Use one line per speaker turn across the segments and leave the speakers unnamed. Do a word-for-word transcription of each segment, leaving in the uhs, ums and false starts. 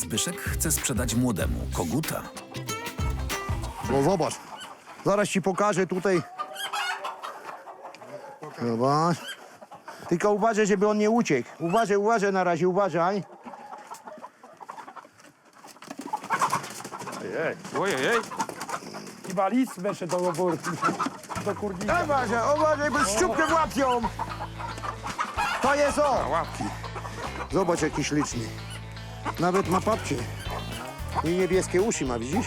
Zbyszek chce sprzedać młodemu koguta.
No zobacz, zaraz ci pokażę tutaj. Zobacz. Tylko uważaj, żeby on nie uciekł. Uważaj, uważaj na razie, uważaj.
Ojej, chyba lis weszedł do obory, do kurnika.
Uważaj, uważaj, bo szczupkę łapią. To jest on.
Łapki.
Zobacz, jaki śliczny. Nawet ma papcie. I niebieskie uszy ma, widzisz?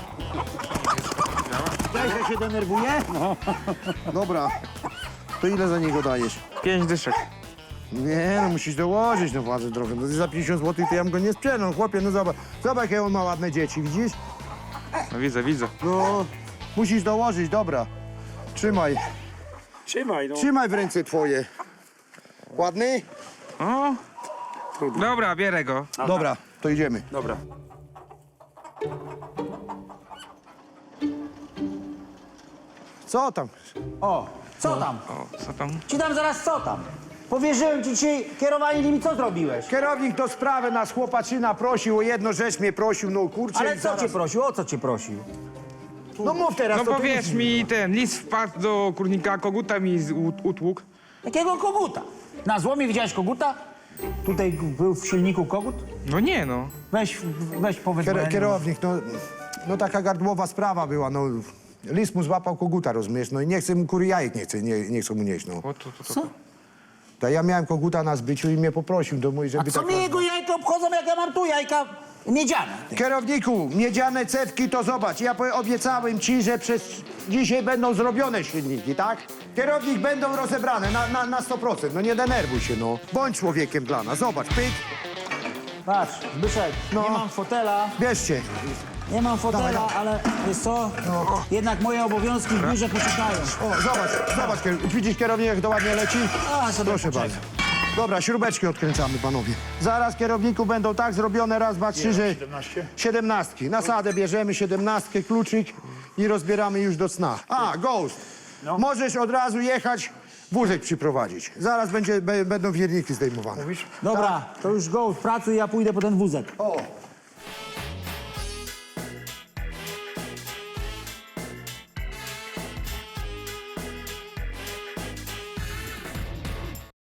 Daj, że się denerwuje? No. Dobra. To ile za niego dajesz?
Pięć dyszek.
Nie, no musisz dołożyć, no władzę drogę. No za pięćdziesiąt złotych to ja bym go nie sprzedał, chłopie, no zobacz. Zobacz, jakie on ma ładne dzieci, widzisz?
No widzę, widzę.
No, musisz dołożyć, dobra. Trzymaj,
Trzymaj, no.
trzymaj w ręce twoje. Ładny?
O. Dobra, bierę go.
Dobra, to idziemy.
Dobra.
Co tam?
O, co tam?
O, co tam?
Ci dam zaraz co tam. Powierzyłem ci dzisiaj kierowanie nimi, co zrobiłeś?
Kierownik do sprawy nas chłopaczyna prosił, o jedną rzecz mnie prosił, no kurczę.
Ale
i
co
zaraz...
cię prosił? O co cię prosił?
No mów teraz,
No
to
powiedz
ty-
mi, ten lis wpadł do kurnika, koguta mi z- ut- utłukł.
Jakiego koguta? Na złomie widziałeś koguta? Tutaj był w silniku kogut?
No nie no.
Weź, weź powiedz. bo ja
Kier
nie-
kierownik, no, no taka gardłowa sprawa była, no. Lis mu złapał koguta, rozumiesz, no i nie chce mu kury jajek, nie chce, nie, nie chce mu nieść, no.
O, to, to, to.
Co?
To ja miałem koguta na zbyciu i mnie poprosił do mój,
A
żeby
co
tak...
mnie jego jajka obchodzą, jak ja mam tu jajka miedziane?
Kierowniku, miedziane cewki to zobacz, ja powie- obiecałem ci, że przez dzisiaj będą zrobione silniki, tak? Kierownik będą rozebrane na, na, na sto procent, no nie denerwuj się, no. Bądź człowiekiem dla nas, zobacz, pyk,
Patrz, Zbyszek,
No.
nie mam fotela,
bierzcie.
nie mam fotela,
Dawaj, dawaj.
ale wiesz co? Jednak moje obowiązki w biurze poczekają.
O, zobacz, zobacz, kier- widzisz kierownik, jak to ładnie leci?
A, sobie
Proszę
poczekaj.
bardzo. Dobra, śrubeczki odkręcamy, panowie. Zaraz, kierowniku, będą tak zrobione, raz, dwa, trzy, że... Siedemnastki. Nasadę bierzemy, siedemnastkę, kluczyk i rozbieramy już do sna. A, Ghost, możesz od razu jechać, wózek przyprowadzić. Zaraz będzie, be, będą wierniki zdejmowane.
Dobra, to już go, pracuj, ja pójdę po ten wózek.
O,